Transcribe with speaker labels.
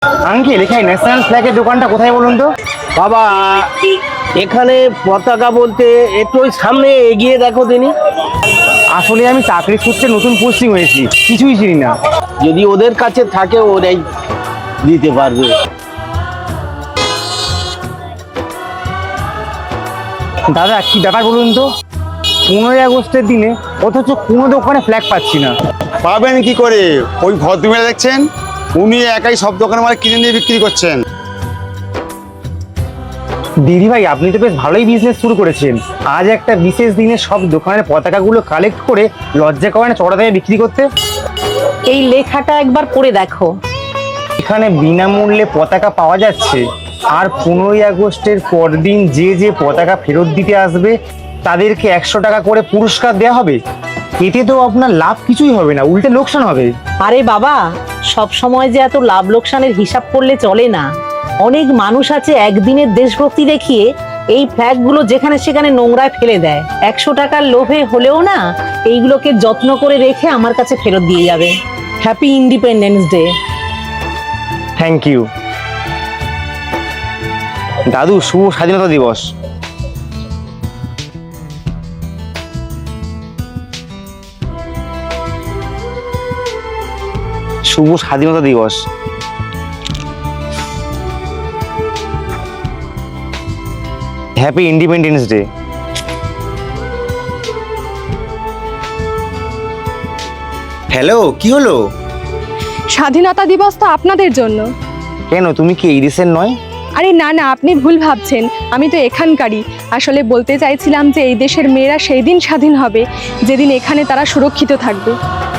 Speaker 1: Uncle, এখানে national ফ্ল্যাগের দোকানটা কোথায় বলুন তো?
Speaker 2: বাবা, এখানে পতাকা বলতে একটু ওই সামনে এগিয়ে দেখো দিনি।
Speaker 1: আসলে আমি চাকরি সূত্রে নতুন পোস্টিং হয়েছি, কিছুই চিনি না।
Speaker 2: যদি ওদের কাছে থাকে ওরাই দিতে পারবে।
Speaker 1: দাদা, কি ব্যাপার বলুন তো? 15ই আগস্টের দিনে অথচ কোনো দোকানে ফ্ল্যাগ পাচ্ছি না।
Speaker 3: পাবেন কি করে? ওই ভদ্রমহিলা দেখছেন, উনি একাই সব দোকানে মাল কিনে নিয়ে বিক্রি করছেন।
Speaker 1: দিদি ভাই, আপনি তো বেশ ভালোই বিজনেস শুরু করেছেন। আজ একটা বিশেষ দিনে সব দোকানের পতাকাগুলো কালেক্ট করে লজ্জা করে না চড়া দামে বিক্রি করতে?
Speaker 4: এই লেখাটা একবার পড়ে দেখো।
Speaker 1: এখানে বিনামূল্যে পতাকা পাওয়া যাচ্ছে, আর 15ই আগস্টের পরদিন যে যে পতাকা ফেরত দিতে আসবে তাদেরকে 100 টাকা করে পুরস্কার দেওয়া হবে। এতে তো আপনার লাভ কিছুই হবে না, উল্টে লোকসান হবে।
Speaker 4: আরে বাবা, সব সময় যে এত লাভ লোকসানের হিসাব করলে চলে না। অনেক মানুষ আছে একদিনের দেশভক্তি দেখিয়ে এই ফ্ল্যাগগুলো যেখানে সেখানে নোংরায় ফেলে দেয়। 100 টাকার লোভে হলেও না এইগুলোকে যত্ন করে রেখে আমার কাছে ফেরত দিয়ে যাবে। Happy independence day.
Speaker 1: Thank you দাদু। শুভ স্বাধীনতা দিবস। শুভ স্বাধীনতা দিবস। Happy independence day. হ্যালো, কি হলো?
Speaker 5: স্বাধীনতা দিবস তো আপনাদের জন্য।
Speaker 1: কেন, তুমি কি এই দেশের নয়?
Speaker 5: আরে না না, আপনি ভুল ভাবছেন, আমি তো এখানকারই। আসলে বলতে চাইছিলাম যে এই দেশের মেয়েরা সেই দিন স্বাধীন হবে যেদিন এখানে তারা সুরক্ষিত থাকবে।